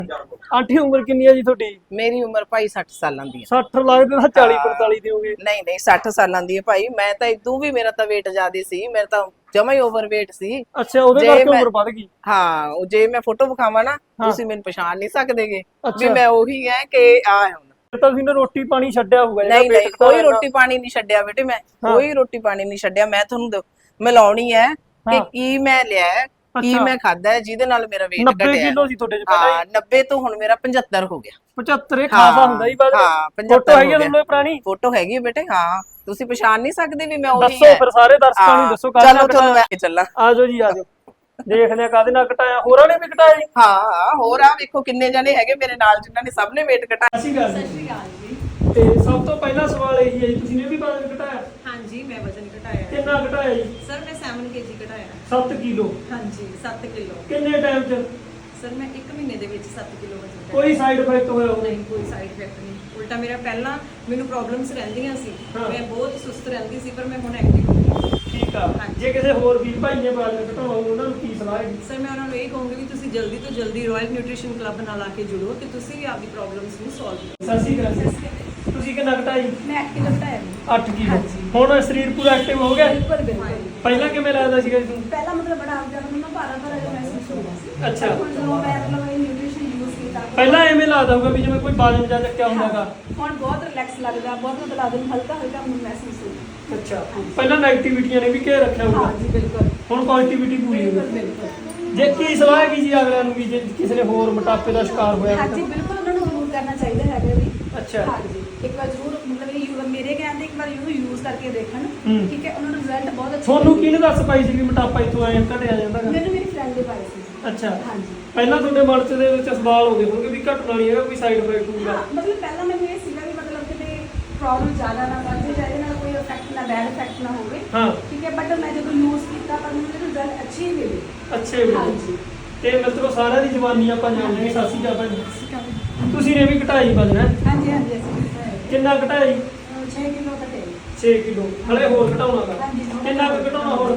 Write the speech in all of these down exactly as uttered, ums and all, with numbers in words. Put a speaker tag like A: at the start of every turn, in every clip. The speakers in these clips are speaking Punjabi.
A: ਆਂਟੀ ਉਮਰ ਕਿੰਨੀ ਹੈ ਜੀ ਤੁਹਾਡੀ?
B: ਮੇਰੀ ਉਮਰ ਭਾਈ ਸੱਠ ਸਾਲਾਂ ਦੀ ਹੈ।
A: ਸੱਠ ਲੱਗਦੇ ਤਾਂ ਚਾਲੀ ਪੰਤਾਲੀ ਦੇ ਹੋਗੇ।
B: ਨਹੀਂ ਨਹੀਂ ਸੱਠ ਸਾਲਾਂ ਦੀ ਹੈ ਭਾਈ। ਮੈਂ ਤਾਂ ਇਦੋਂ ਵੀ ਮੇਰਾ ਤਾਂ weight ਜ਼ਿਆਦਾ ਸੀ, ਮੇਰਾ ਤਾਂ ਜਮਾ ਹੀ ਓਵਰਵੇਟ ਸੀ।
A: ਅੱਛਾ, ਉਹਦੇ ਕਰਕੇ ਉਮਰ ਵੱਧ ਗਈ।
B: ਹਾਂ, ਉਹ ਜੇ ਮੈਂ ਫੋਟੋ ਵਿਖਾਵਾਂ ਨਾ ਤੁਸੀਂ ਮੈਨੂੰ ਪਛਾਣ ਨਹੀਂ ਸਕਦੇਗੇ ਵੀ ਮੈਂ ਉਹੀ ਹੈ ਕਿ ਆ ਹੁਣ
A: ਤਾਂ ਤੁਸੀਂ ਨੇ ਰੋਟੀ ਪਾਣੀ ਛੱਡਿਆ ਹੋਊਗਾ।
B: ਨਹੀਂ ਨਹੀਂ ਕੋਈ ਰੋਟੀ ਪਾਣੀ ਨਹੀਂ ਛੱਡਿਆ ਬੇਟੇ, ਮੈਂ ਕੋਈ ਰੋਟੀ ਪਾਣੀ ਨਹੀਂ ਛੱਡਿਆ। ਮੈਂ ਤੁਹਾਨੂੰ ਮਿਲਾਉਣੀ ਹੈ ਕਿ ਕੀ ਮੈਂ ਲਿਆ, ਕੀ ਮੈਂ ਖਾਦਾ ਜਿਹਦੇ ਨਾਲ ਮੇਰਾ weight ਘਟਿਆ।
A: ਨੱਬੇ ਕਿਲੋ ਸੀ ਤੁਹਾਡੇ ਚ ਪਹਿਲਾਂ ਹੀ?
B: ਹਾਂ, ਨੱਬੇ ਤੋਂ ਹੁਣ ਮੇਰਾ ਪਚੱਤਰ ਹੋ ਗਿਆ।
A: ਪਚੱਤਰ ਇਹ ਖਾਸਾ ਹੁੰਦਾ ਹੀ ਬਾਅਦ।
B: ਹਾਂ,
A: ਫੋਟੋ ਹੈਗੀ ਤੁਹਾਨੂੰ ਪੁਰਾਣੀ?
B: ਫੋਟੋ ਹੈਗੀ ਬੇਟੇ। ਹਾਂ, ਤੁਸੀਂ ਪਛਾਣ ਨਹੀਂ ਸਕਦੇ ਵੀ ਮੈਂ ਉਹੀ ਹੈ।
A: ਦੱਸੋ ਫਿਰ ਸਾਰੇ ਦਰਸ਼ਕਾਂ ਨੂੰ ਦੱਸੋ।
B: ਚਲੋ ਤੁਹਾਨੂੰ ਮੈਂ ਚੱਲਾਂ।
A: ਆਜੋ ਜੀ ਆਜੋ, ਦੇਖਦੇ ਆ ਕਾਹਦੇ ਨਾਲ ਘਟਾਇਆ। ਹੋਰਾਂ ਨੇ ਵੀ ਘਟਾਇਆ ਜੀ?
B: ਹਾਂ ਹਾਂ, ਹੋਰ ਆ ਵੇਖੋ ਕਿੰਨੇ ਜਣੇ ਹੈਗੇ ਮੇਰੇ ਨਾਲ ਜਿਨ੍ਹਾਂ ਨੇ ਸਭ ਨੇ weight ਘਟਾਇਆ।
A: ਸਤਿ ਸ਼੍ਰੀ ਅਕਾਲ ਜੀ। ਤੇ ਸਭ ਤੋਂ ਪਹਿਲਾ ਸਵਾਲ ਇਹ ਹੈ ਜੀ, ਤੁਸੀਂ ਨੇ ਵੀ ਵਜ਼ਨ ਘਟਾਇਆ?
C: ਹਾਂਜੀ, ਮੈਂ ਵਜ਼ਨ ਘਟਾਇਆ।
A: ਕਿੰਨਾ ਘਟਾਇਆ ਜੀ?
C: ਸਰ ਮੈਂ ਸੱਤ ਕੇਜੀ ਘਟਾਇਆ।
A: ਸੱਤ ਕਿਲੋ?
C: ਹਾਂਜੀ, ਸੱਤ ਕਿਲੋ।
A: ਕਿੰਨੇ ਟਾਈਮ ਚ?
C: ਸਰ ਮੈਂ ਇੱਕ ਮਹੀਨੇ ਦੇ ਵਿੱਚ ਸੱਤ ਕਿਲੋ ਵਜ਼ਨ ਘਟਾਇਆ।
A: ਕੋਈ ਸਾਈਡ ਇਫੈਕਟ ਹੋਇਆ ਹੋਵੇ?
C: ਨਹੀਂ, ਕੋਈ ਸਾਈਡ ਇਫੈਕਟ ਨਹੀਂ। ਉਲਟਾ ਮੇਰਾ ਪਹਿਲਾਂ ਮੈਨੂੰ ਪ੍ਰੋਬਲਮਸ ਰਹਿੰਦੀਆਂ ਸੀ, ਮੈਂ ਬਹੁਤ ਸੁਸਤ ਰਹਿੰਦੀ ਸੀ, ਪਰ ਮੈਂ ਹੁਣ ਐਕਟਿਵ ਹੋ ਗਈ।
A: ਠੀਕ ਆ। ਜੇ ਕਿਸੇ ਹੋਰ ਵੀਰ ਭਾਈ ਨੇ ਵਜ਼ਨ ਘਟਾਉਣਾ ਹੋਵੇ ਉਹਨਾਂ ਨੂੰ ਕੀ ਸਲਾਹ ਹੈ?
C: ਸਰ ਮੈਂ ਉਹਨਾਂ ਨੂੰ ਇਹ ਕਹੂੰਗੀ ਵੀ ਤੁਸੀਂ ਜਲਦੀ ਤੋਂ ਜਲਦੀ ਰਾਇਲ ਨਿਊਟ੍ਰੀਸ਼ਨ ਕਲੱਬ ਨਾਲ ਆ ਕੇ ਜੁੜੋ ਤੇ ਤੁਸੀਂ ਵੀ ਆਪਦੀ ਪ੍ਰੋਬਲਮਸ ਨੂੰ ਸੋਲਵ ਕਰੋ।
A: ਸਤਿ ਸ਼੍ਰੀ ਅਕਾਲ। ਤੁਸੀਂ ਕਿੰਨਾ ਘਟਾਈ?
C: ਮੈਂ ਅੱਠ ਕਿਲੋ ਘਟਾਇਆ।
A: ਅੱਠ ਕਿਲੋ। ਹੁਣ ਸਰੀਰ ਪੂਰਾ ਐਕਟਿਵ ਹੋ ਗਿਆ?
C: ਬਿਲਕੁਲ ਬਿਲਕੁਲ।
A: ਪਹਿਲਾਂ ਕਿਵੇਂ ਲੱਗਦਾ ਸੀਗਾ ਤੁਹਾਨੂੰ?
C: ਪਹਿਲਾਂ ਮਤਲਬ ਬੜਾ ਆਪ ਮੈਨੂੰ ਭਾਰਾ ਭਾਰਾ ਜਿਹਾ ਮਹਿਸੂਸ ਹੁੰਦਾ ਸੀ।
A: ਅੱਛਾ।
C: ਹੁਣ ਜਦੋਂ ਮੈਂ ਮਤਲਬ ਇਹ ਨਿਊਟ੍ਰੀਸ਼ਨ ਯੂਜ਼ ਕੀਤਾ
A: ਪਹਿਲਾਂ ਐਵੇਂ ਲੱਗਦਾ ਹੋਊਗਾ ਵੀ ਜਿਵੇਂ ਕੋਈ ਬਾਦਲ ਜਾਂ ਚੱਕਿਆ ਹੁੰਦਾਗਾ।
C: ਹੁਣ ਬਹੁਤ ਰਿਲੈਕਸ ਲੱਗਦਾ, ਬਹੁਤ ਮਤਲਬ ਆਦਮ ਹਲਕਾ ਹਲਕਾ ਮਹਿਸੂਸ ਹੁੰਦਾ।
A: ਅੱਛਾ, ਪਹਿਲਾਂ ਨੈਗੇਟਿਵਿਟੀਆਂ ਨੇ ਵੀ ਘੇਰ ਰੱਖਿਆ ਹੋਊਗਾ।
C: ਹਾਂਜੀ ਬਿਲਕੁਲ।
A: ਹੁਣ ਪੋਜ਼ਿਟਿਵਿਟੀ ਪੂਰੀ ਹੋ ਗਈ।
C: ਬਿਲਕੁਲ।
A: ਜੇ ਕੀ ਸਲਾਹ ਹੈਗੀ ਜੀ ਅਗਲਿਆਂ ਨੂੰ ਵੀ ਜੇ ਕਿਸੇ ਨੇ ਹੋਰ ਮੋਟਾਪੇ ਦਾ ਸ਼ਿਕਾਰ ਹੋਇਆ?
C: ਹਾਂਜੀ ਬਿਲਕੁਲ, ਉਹਨਾਂ ਨੂੰ ਜ਼ਰੂਰ ਕਰਨਾ ਚਾਹੀਦਾ ਹੈਗਾ ਵੀ।
A: ਅੱਛਾ।
C: ਹਾਂਜੀ, ਇੱਕ ਵਾਰ ਜ਼ਰੂਰ ਮਤਲਬ ਇਹ ਮੇਰੇ ਕਹਿੰਦੇ ਇੱਕ ਵਾਰ ਇਹਨੂੰ ਯੂਜ਼ ਕਰਕੇ ਦੇਖਣ। ਠੀਕ ਹੈ, ਉਹਨਾਂ ਨੂੰ ਰਿਜ਼ਲਟ ਬਹੁਤ ਅੱਛਾ।
A: ਤੁਹਾਨੂੰ ਕਿਹਨੇ ਦੱਸ ਪਾਈ ਸੀ ਵੀ ਮੋਟਾਪਾ ਇੱਥੋਂ ਆਇਆ ਘਟਿਆ ਜਾਂਦਾਗਾ?
C: ਮੈਨੂੰ ਮੇਰੀ ਫਰੈਂਡ ਨੇ ਪਾਈ ਸੀ।
A: ਅੱਛਾ।
C: ਹਾਂਜੀ।
A: ਪਹਿਲਾਂ ਤੁਹਾਡੇ ਮਨ ਚ ਦੇ ਵਿੱਚ ਸਵਾਲ ਹੋਵੇ ਹੋਣਗੇ ਵੀ ਘਟਣਾ ਨਹੀਂ ਹੈਗਾ, ਕੋਈ ਸਾਈਡ ਇਫੈਕਟ ਹੋਊਗਾ?
C: ਮਤਲਬ ਪਹਿਲਾਂ ਮੈਨੂੰ ਇਹ ਸੀਗਾ ਵੀ ਮਤਲਬ ਕਿਤੇ ਪ੍ਰੋਬਲਮ ਜ਼ਿਆਦਾ ਨਾ ਵੱਧ ਜਾਏ, ਨਾਲ ਕੋਈ ਇਫੈਕਟ ਨਾ ਬੈਡ ਇਫੈਕਟ ਨਾ ਹੋਵੇ।
A: ਹਾਂ।
C: ਠੀਕ ਹੈ, ਬਟ ਮੈਂ ਜਦੋਂ ਯੂਜ਼ ਕੀਤਾ ਪਰ ਮੈਨੂੰ ਰਿਜ਼ਲਟ ਅੱਛੇ ਹੀ ਮਿਲੇ।
A: ਅੱਛੇ ਮਿਲੇ।
C: ਹਾਂਜੀ।
A: ਤੇ ਮਿੱਤਰੋ ਸਾਰਿਆਂ ਦੀ ਜਵਾਨੀ ਆਪਾਂ ਜਾਣਦੇ ਹਾਂ। ਸਤਿ ਸ਼੍ਰੀ ਅਕਾਲ ਭਾਜੀ। ਤੁਸੀਂ ਨੇ ਵੀ ਘਟਾਈ ਵਜ਼ਨ?
C: ਹਾਂਜੀ ਹਾਂਜੀ, ਅਸੀਂ ਘਟਾਇਆ।
A: ਕਿੰਨਾ ਘਟਾਈ?
C: ਛੇ ਕਿਲੋ ਘਟਾਇਆ।
A: ਛੇ ਕਿਲੋ। ਹਲੇ ਹੋਰ ਘਟਾਉਣਾ ਗਾ?
C: ਹਾਂਜੀ।
A: ਕਿੰਨਾ ਕੁ ਘਟਾਉਣਾ ਹੋਰ?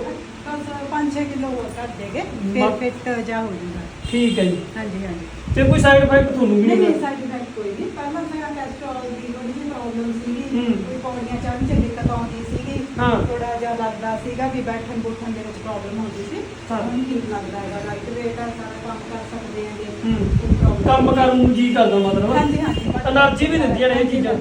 C: ਪੰਜ ਛੇ ਕਿਲੋ ਹੋਰ ਘਟ ਦੇਗੇ, ਫਿਰ ਫਿੱਟ ਜਾ ਹੋ ਜੂਗਾ।
A: ਠੀਕ ਹੈ ਜੀ।
C: ਹਾਂਜੀ ਹਾਂਜੀ।
A: ਤੇ ਕੋਈ ਸਾਈਡ ਇਫੈਕਟ ਤੁਹਾਨੂੰ ਵੀ
C: ਨਹੀਂ
A: ਨਹੀਂ?
C: ਨਹੀਂ, ਸਾਈਡ ਇਫੈਕਟ ਕੋਈ ਨਹੀਂ। ਪਹਿਲਾਂ ਮੇਰਾ ਕੈਸਟਰੋਲ ਦੀ ਥੋੜੀ ਜਿਹੀ ਪ੍ਰੋਬਲਮ ਸੀਗੀ, ਕੋਈ ਪੌੜੀਆਂ ਚੜ੍ਹਨ ਚ ਦਿੱਕਤ ਆਉਂਦੀ ਸੀਗੀ, ਥੋੜਾ ਜਿਹਾ ਲੱਗਦਾ ਸੀਗਾ ਵੀ ਬੈਠਣ ਬੁੱਠਣ ਦੇ ਵਿੱਚ ਪ੍ਰੋਬਲਮ ਹੁੰਦੀ ਸੀ। ਹੁਣ ਠੀਕ ਲੱਗਦਾ ਹੈਗਾ, ਲਾਈਟ ਵੇਟ ਆ, ਸਾਰਾ ਕੰਮ ਕਰ ਸਕਦੇ ਹੈਗੇ।
A: ਕੰਮ ਕਰਨ ਨੂੰ ਜੀ ਕਰਦਾ ਮਤਲਬ?
C: ਹਾਂਜੀ ਹਾਂਜੀ,
A: એનર્ਜੀ ਵੀ ਦਿੰਦੀਆਂ ਨੇ ਇਹ ਚੀਜ਼ਾਂ।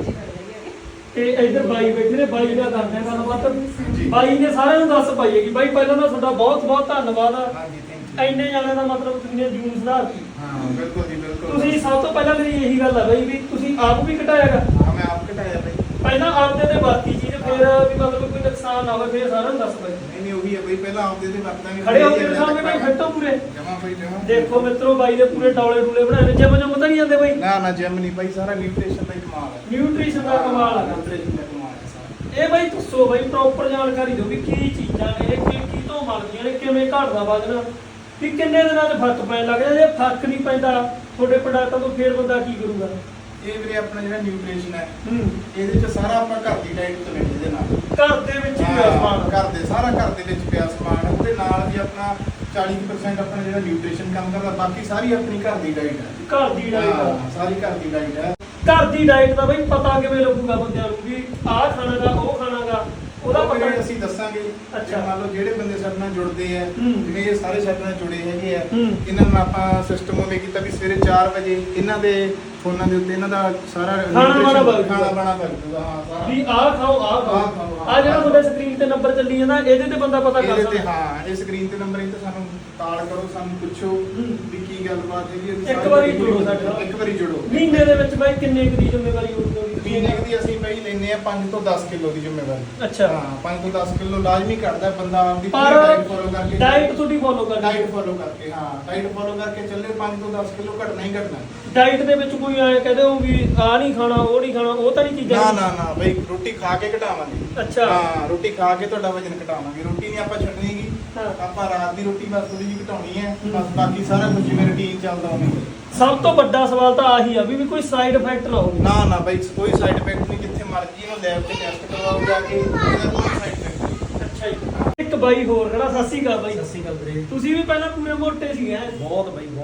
A: ਤੇ ਇੱਧਰ ਬਾਈ ਬੈਠੇ ਨੇ, ਬਾਈ ਦਾ ਕਰਦੇ ਆ ਗੱਲਬਾਤ। ਬਾਈ ਨੇ ਸਾਰਿਆਂ ਨੂੰ ਦੱਸ ਪਾਈ ਹੈ ਕਿ ਬਾਈ ਪਹਿਲਾਂ ਤਾਂ ਤੁਹਾਡਾ ਬਹੁਤ ਬਹੁਤ ਧੰਨਵਾਦ ਆ। ਇੰਨੇ ਜਾਣਿਆਂ ਦਾ ਮਤਲਬ ਤੁਸੀਂ ਨੇ ਜੂਨ ਸੁਧਾਰਤੀ।
D: ਹਾਂ ਬਿਲਕੁਲ ਜੀ ਬਿਲਕੁਲ।
A: ਤੁਸੀਂ ਸਭ ਤੋਂ ਪਹਿਲਾਂ ਮੇਰੀ ਇਹੀ ਗੱਲ ਆ ਬਾਈ ਵੀ ਤੁਸੀਂ ਆਪ ਵੀ ਘਟਾਇਆਗਾ?
D: ਹਾਂ, ਮੈਂ ਆਪ ਘਟਾਇਆ ਬਾਈ।
A: ਪਹਿਲਾਂ ਆਪਦੇ ਤੇ ਵਰਤੀ ਚੀਜ਼, ਫਿਰ ਵੀ ਮਤਲਬ ਕੋਈ ਨੁਕਸਾਨ ਨਾ ਹੋਵੇ, ਫਿਰ ਸਾਰਿਆਂ ਨੂੰ ਦੱਸ ਬਾਈ।
D: ਨਹੀਂ ਨਹੀਂ, ਉਹੀ ਹੈ ਬਾਈ, ਪਹਿਲਾਂ ਆਪਦੇ ਤੇ ਵਰਤਾਂਗੇ।
A: ਖੜੇ ਹੋ ਕੇ ਦਿਖਾਓਗੇ ਬਾਈ, ਫਿੱਟੋ ਪੂਰੇ?
D: ਜਮਾ ਬਾਈ ਜਮਾ।
A: ਦੇਖੋ ਮਿੱਤਰੋ, ਬਾਈ ਦੇ ਪੂਰੇ ਡੌਲੇ ਡੂਲੇ ਬਣਾਏ ਨੇ। ਜਿਮ ਜਮ ਤਾਂ ਨਹੀਂ ਜਾਂਦੇ ਬਾਈ?
D: ਨਾ ਨਾ, ਜਿਮ ਨਹੀਂ ਬਾਈ, ਸਾਰਾ ਨਿਊਟ੍ਰੀਸ਼ਨ ਦਾ ਹੀ ਕਮਾਲ ਹੈ।
A: ਨਿਊਟ੍ਰੀਸ਼ਨ ਦਾ ਕਮਾਲ ਆ।
D: ਨਿਊਟ੍ਰੀਸ਼ਨ ਦਾ ਕਮਾਲ ਹੈ ਸਾਰਾ।
A: ਇਹ ਬਾਈ ਦੱਸੋ ਬਾਈ, ਪ੍ਰੋਪਰ ਜਾਣਕਾਰੀ ਦਿਓ ਵੀ ਕੀ ਚੀਜ਼ਾਂ ਨੇ ਇਹ, ਕੀ ਕੀ ਤੋਂ ਬਣਦੀਆਂ ਨੇ, ਕਿਵੇਂ ਘਟਦਾ ਵਜ਼ਨ, ਕਿ ਕਿੰਨੇ ਦਿਨਾਂ 'ਚ ਫਰਕ ਪੈਣ ਲੱਗ ਜਾਂਦਾ? ਜੇ ਫਰਕ ਨਹੀਂ ਪੈਂਦਾ ਤੁਹਾਡੇ ਪ੍ਰੋਡਕਟਾਂ ਤੋਂ, ਫਿਰ ਬੰਦਾ ਕੀ ਕਰੂਗਾ?
D: ਇਹ ਵੀਰੇ ਆਪਣਾ ਜਿਹੜਾ ਨਿਊਟ੍ਰੀਸ਼ਨ ਹੈ, ਇਹਦੇ ਚ ਸਾਰਾ ਆਪਾਂ ਘਰ ਦੀ ਡਾਈਟ ਤੋਂ ਲੈਂਦੇ ਇਹਦੇ ਨਾਲ।
A: ਘਰ ਦੇ ਵਿੱਚ ਹੀ ਪਿਆ ਸਮਾਨ?
D: ਘਰ ਦੇ ਸਾਰਾ ਘਰ ਦੇ ਵਿੱਚ ਪਿਆ ਸਮਾਨ। ਉਹਦੇ ਨਾਲ ਵੀ ਆਪਣਾ ਚਾਲੀ ਪਰਸੈਂਟ ਆਪਣਾ ਜਿਹੜਾ ਨਿਊਟ੍ਰੀਸ਼ਨ ਕੰਮ ਕਰਦਾ, ਬਾਕੀ ਸਾਰੀ ਆਪਣੀ ਘਰ ਦੀ ਡਾਈਟ ਹੈ।
A: ਘਰ ਦੀ ਡਾਈਟ?
D: ਹਾਂ, ਸਾਰੀ ਘਰ ਦੀ ਡਾਈਟ ਹੈ।
A: ਘਰ ਦੀ ਡਾਈਟ ਦਾ ਬਈ ਪਤਾ ਕਿਵੇਂ ਲੱਗੂਗਾ ਬੰਦਿਆਂ ਨੂੰ ਵੀ ਆਹ ਖਾਣਾਗਾ ਉਹ ਖਾਣਾਗਾ? ਉਹਦਾ ਪਤਾ
D: ਅਸੀਂ ਦੱਸਾਂਗੇ।
A: ਅੱਛਾ।
D: ਮੰਨ ਲਓ ਜਿਹੜੇ ਬੰਦੇ ਸਾਡੇ ਨਾਲ ਜੁੜਦੇ ਆ, ਜਿਵੇਂ ਇਹ ਸਾਰੇ ਸਾਡੇ ਨਾਲ ਜੁੜੇ ਹੈਗੇ ਆ,
A: ਇਹਨਾਂ
D: ਨੂੰ ਆਪਾਂ ਸਿਸਟਮ ਉਵੇਂ ਕੀਤਾ ਵੀ ਸਵੇਰੇ ਚਾਰ ਵਜੇ ਇਹਨਾਂ ਦੇ ਫੋਨਾਂ ਦੇ ਉੱਤੇ ਇਹਨਾਂ ਦਾ ਸਾਰਾ
A: ਖਾਣਾ ਬਾਣਾ ਬਣ
D: ਖਾਣਾ ਬਾਣਾ ਬਣ ਜੂਗਾ। ਹਾਂ, ਸਾਰਾ
A: ਵੀ ਆਹ ਖਾਓ ਆਹ ਖਾਓ। ਆ ਜਿਹੜਾ ਤੁਹਾਡੇ ਸਕਰੀਨ ਤੇ ਨੰਬਰ ਚੱਲੀ ਜਾਂਦਾ, ਇਹਦੇ ਤੇ ਬੰਦਾ ਪਤਾ ਕਰ
D: ਇਹਦੇ
A: ਸਕਦਾ?
D: ਤੇ ਹਾਂ, ਇਹ ਸਕਰੀਨ ਤੇ ਨੰਬਰ, ਇਹ ਤੇ ਸਾਨੂੰ ਕਾਲ ਕਰੋ, ਸਾਨੂੰ ਪੁੱਛੋ ਵੀ ਕੀ ਗੱਲਬਾਤ ਹੈਗੀ।
A: ਇੱਕ ਵਾਰੀ ਜੁੜੋ ਸਾਡੇ ਨਾਲ।
D: ਇੱਕ ਵਾਰੀ ਜੁੜੋ।
A: ਮਹੀਨੇ ਦੇ ਵਿੱਚ ਬਾਈ ਕਿੰਨੇ ਕੁ ਦੀ ਜ਼ਿੰਮੇਵਾਰੀ ਹੋਊਗੀ?
D: ਮਹੀਨੇ ਦੀ ਅਸੀਂ ਬਾਈ ਲੈਨੇ ਆ ਪੰਜ ਤੋਂ ਦਸ ਕਿਲੋ ਦੀ ਜ਼ਿੰਮੇਵਾਰੀ।
A: ਅੱਛਾ।
D: ਹਾਂ, ਪੰਜ ਤੋਂ ਦਸ ਕਿਲੋ ਲਾਜ਼ਮੀ ਘਟਦਾ ਬੰਦਾ ਆਪਦੀ
A: ਪਰ
D: ਡਾਈਟ ਫੋਲੋ ਕਰਕੇ।
A: ਡਾਈਟ ਤੁਹਾਡੀ ਫੋਲੋ ਕਰਨੀ?
D: ਡਾਈਟ ਫੋਲੋ ਕਰਕੇ, ਹਾਂ, ਡਾਈਟ ਫੋਲੋ ਕਰਕੇ ਚੱਲੇ ਪੰਜ ਤੋਂ ਦਸ ਕਿਲੋ ਘਟਣਾ ਹੀ ਘਟਣਾ।
A: ਡਾਈਟ ਦੇ ਵਿੱਚ ਕੋਈ ਐ ਕਹਦੇ ਹੋ ਵੀ ਆ ਨਹੀਂ ਖਾਣਾ ਉਹ ਨਹੀਂ ਖਾਣਾ, ਉਹ ਤਾਂ ਨਹੀਂ ਚੀਜ਼ਾਂ?
D: ਨਾ ਨਾ ਨਾ ਬਈ, ਰੋਟੀ ਖਾ ਕੇ ਘਟਾਵਾਂਗੇ।
A: ਅੱਛਾ।
D: ਹਾਂ, ਰੋਟੀ ਖਾ ਕੇ ਤੁਹਾਡਾ ਵਜ਼ਨ ਘਟਾਵਾਂਗੇ। ਰੋਟੀ ਨਹੀਂ ਆਪਾਂ ਛੱਡਣੀਗੀ, ਆਪਾਂ ਰਾਤ ਦੀ ਰੋਟੀ ਬਸ ਥੋੜੀ ਜਿਹੀ ਘਟਾਉਣੀ ਹੈ ਬਸ। ਬਾਕੀ ਸਾਰਾ ਕੁਝ ਜਿਵੇਂ ਰੁਟੀਨ ਚੱਲਦਾ ਉਵੇਂ।
A: ਸਭ ਤੋਂ ਵੱਡਾ ਸਵਾਲ ਤਾਂ ਆਹੀ ਆ ਵੀ ਵੀ ਕੋਈ ਸਾਈਡ ਇਫੈਕਟ ਨਾ ਹੋਵੇ?
D: ਨਾ ਨਾ ਬਈ, ਕੋਈ ਸਾਈਡ ਇਫੈਕਟ ਨਹੀਂ। ਜਿੱਥੇ ਮਰਜ਼ੀ ਇਹਨੂੰ ਲੈਬ ਤੇ ਟੈਸਟ ਕਰਵਾਓ ਜਾ ਕੇ, ਇਹਦਾ ਕੋਈ ਸਾਈਡ ਇਫੈਕਟ ਨਹੀਂ।
A: ਅੱਛਾ ਜੀ। ਇੱਕ ਬਾਈ ਹੋਰ ਖੜਾ। ਸਤਿ ਸ਼੍ਰੀ ਅਕਾਲ ਬਾਈ।
E: ਸਤਿ ਸ਼੍ਰੀ ਅਕਾਲ ਵੀਰੇ।
A: ਤੁਸੀਂ ਵੀ ਪਹਿਲਾਂ ਪੂਰੇ ਮੋਟੇ ਸੀਗੇ?
E: ਬਹੁਤ ਬਾਈ ਬਹੁਤ।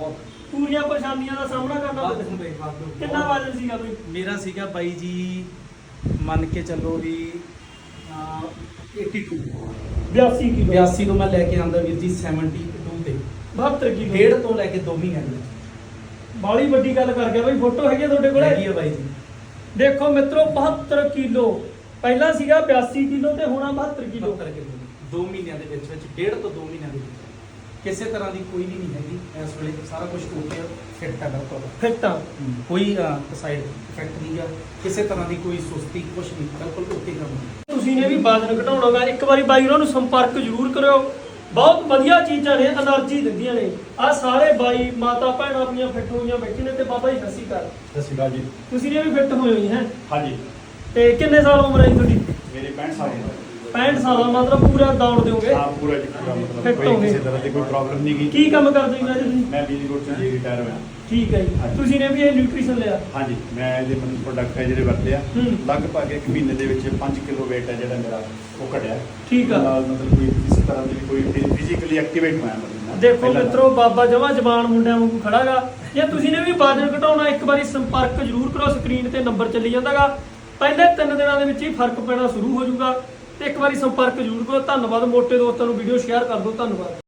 A: ਪੂਰੀਆਂ ਪਰੇਸ਼ਾਨੀਆਂ ਦਾ ਸਾਹਮਣਾ ਕਰਨਾ
E: ਬਾਤ
A: ਪਿਆ।
E: ਨੂੰ ਬਈ ਬਾਤ ਨੂੰ
A: ਕਿੰਨਾ ਵਜਨ ਸੀਗਾ ਬਈ?
E: ਮੇਰਾ ਸੀਗਾ ਬਾਈ ਜੀ ਮੰਨ ਕੇ ਚੱਲੋ ਵੀ ਅਹ, ਬयासी
A: ਬਿਆਸੀ ਕਿਲੋ
E: ਬਿਆਸੀ ਤੋਂ ਮੈਂ ਲੈ ਕੇ ਆਂਦਾ ਵੀਰ ਜੀ ਬहत्तर ਤੇ
A: ਬਹੱਤਰ ਕਿਲੋ
E: ਡੇਢ ਤੋਂ ਲੈ ਕੇ ਦੋ ਮਹੀਨਿਆਂ ਦੇ ਵਿੱਚ
A: ਬਾਲੀ ਵੱਡੀ ਗੱਲ ਕਰ ਗਿਆ ਬਈ। ਫੋਟੋ ਹੈਗੀ ਆ ਤੁਹਾਡੇ ਕੋਲੇ?
E: ਹੈਗੀ ਆ ਬਾਈ ਜੀ।
A: ਦੇਖੋ ਮਿੱਤਰੋ ਬਹੱਤਰ ਕਿਲੋ, ਪਹਿਲਾਂ ਸੀਗਾ ਬਿਆਸੀ ਕਿਲੋ ਤੇ ਹੁਣ ਆ ਬਹੱਤਰ ਕਿਲੋ।
E: ਬਹੱਤਰ ਕਿਲੋ ਦੋ ਮਹੀਨਿਆਂ ਦੇ ਵਿੱਚ ਵਿੱਚ ਡੇਢ ਤੋਂ ਦੋ ਮਹੀਨਿਆਂ ਦੇ ਵਿੱਚ ਕਿਸੇ ਤਰ੍ਹਾਂ ਦੀ ਕੋਈ ਵੀ ਨਹੀਂ ਹੈਗੀ ਇਸ ਵੇਲੇ ਸਾਰਾ ਕੁਝ ਓਕੇ ਫਿੱਟ ਹੈ ਬਿਲਕੁਲ
A: ਫਿੱਟ ਆ।
E: ਕੋਈ ਸਾਈਡ ਇਫੈਕਟ ਨਹੀਂ ਗਾ ਕਿਸੇ ਤਰ੍ਹਾਂ ਦੀ ਕੋਈ ਸੁਸਤੀ ਕੁਝ ਨਹੀਂ ਬਿਲਕੁਲ ਓਕੇ ਕੰਮ
A: ਤੁਸੀਂ ਨੇ ਵੀ ਵਜ਼ਨ ਘਟਾਉਣਾ ਗਾ, ਇੱਕ ਵਾਰੀ ਬਾਈ ਉਹਨਾਂ ਨੂੰ ਸੰਪਰਕ ਜ਼ਰੂਰ ਕਰਿਓ। ਬਹੁਤ ਵਧੀਆ ਚੀਜ਼ਾਂ ਨੇ, એનર્ਜੀ ਦਿੰਦੀਆਂ ਨੇ। ਆ ਸਾਰੇ ਬਾਈ ਮਾਤਾ ਭੈਣਾਂ ਆਪਣੀਆਂ ਫਿੱਟ ਹੋਈਆਂ ਬੈਠੇ ਨੇ ਤੇ ਬਾਬਾ ਜੀ ਸਤਿ ਸ਼੍ਰੀ ਅਕਾਲ।
F: ਸਤਿ ਸ਼੍ਰੀ ਅਕਾਲ ਜੀ।
A: ਤੁਸੀਂ ਨੇ ਵੀ ਫਿੱਟ ਹੋਏ ਹੋਈ ਹੈ
F: ਹਾਂਜੀ
A: ਤੇ ਕਿੰਨੇ ਸਾਲ ਉਮਰ ਹੈ ਜੀ ਤੁਹਾਡੀ?
F: ਮੇਰੇ ਪੈਂਹਠ ਸਾਲ ਉਮਰ ਹੈ।
A: ਪੈਂਹਠ ਸਾਲ ਮਤਲਬ ਪੂਰਾ ਦੌੜ ਦਿਓਗੇ?
F: ਹਾਂ ਪੂਰਾ ਜੀ ਪੂਰਾ ਮਤਲਬ
A: Fit
F: ਕੋਈ
A: ਹੋ ਗਏ।
F: ਕਿਸੇ ਤਰ੍ਹਾਂ ਦੀ ਕੋਈ ਪ੍ਰੋਬਲਮ ਨਹੀਂ ਗਈ।
A: ਕੀ ਕੰਮ ਕਰਦੇ ਹੋ ਜੀ ਤੁਸੀਂ?
F: ਮੈਂ ਬਿਜਲੀ ਬੋਰਡ ਚ ਜੀ ਰਿਟਾਇਰ ਹੋਇਆ।
A: ਠੀਕ ਹੈ ਜੀ।
F: ਹਾਂਜੀ।
A: ਤੁਸੀਂ ਨੇ ਵੀ ਇਹ ਨਿਊਟ੍ਰੀਸ਼ਨ ਲਿਆ?
F: ਹਾਂਜੀ ਮੈਂ ਇਹਦੇ ਮਨ ਪ੍ਰੋਡਕਟ ਹੈ ਜਿਹੜੇ ਵਰਤੇ ਆ
A: ਹੂੰ।
F: ਲਗਭਗ ਇੱਕ ਮਹੀਨੇ ਦੇ ਵਿੱਚ ਪੰਜ ਕਿਲੋ weight ਹੈ ਜਿਹੜਾ ਮੇਰਾ ਉਹ ਘਟਿਆ।
A: ਠੀਕ ਆ।
F: ਨਾਲ ਮਤਲਬ ਕੋਈ ਕਿਸੇ ਤਰ੍ਹਾਂ ਦੀ ਕੋਈ ਫਿਜ਼ੀਕਲੀ ਐਕਟੀਵੇਟ ਹੋਇਆ ਮਤਲਬ ਮੈਂ।
A: ਦੇਖੋ
F: ਪਹਿਲਾਂ
A: ਮਿੱਤਰੋ ਬਾਬਾ ਜਮਾ ਜਵਾਨ ਮੁੰਡਿਆਂ ਵਾਂਗੂ ਖੜਾਗਾ। ਜੇ ਤੁਸੀਂ ਨੇ ਵੀ ਵਜ਼ਨ ਘਟਾਉਣਾ ਇੱਕ ਵਾਰੀ ਸੰਪਰਕ ਜ਼ਰੂਰ ਕਰੋ। ਸਕਰੀਨ ਤੇ ਨੰਬਰ ਚੱਲੀ ਜਾਂਦਾਗਾ। ਪਹਿਲੇ ਤਿੰਨ ਦਿਨਾਂ ਦੇ ਵਿੱਚ ਹੀ ਫਰਕ ਪੈਣਾ ਸ਼ੁਰੂ ਹੋ ਜਾਊਗਾ ਤੇ ਇੱਕ ਵਾਰੀ ਸੰਪਰਕ ਜ਼ਰੂਰ ਕਰੋ। ਧੰਨਵਾਦ। ਮੋਟੇ ਦੋਸਤਾਂ ਨੂੰ ਵੀਡੀਓ ਸ਼ੇਅਰ ਕਰ ਦਿਓ। ਧੰਨਵਾਦ।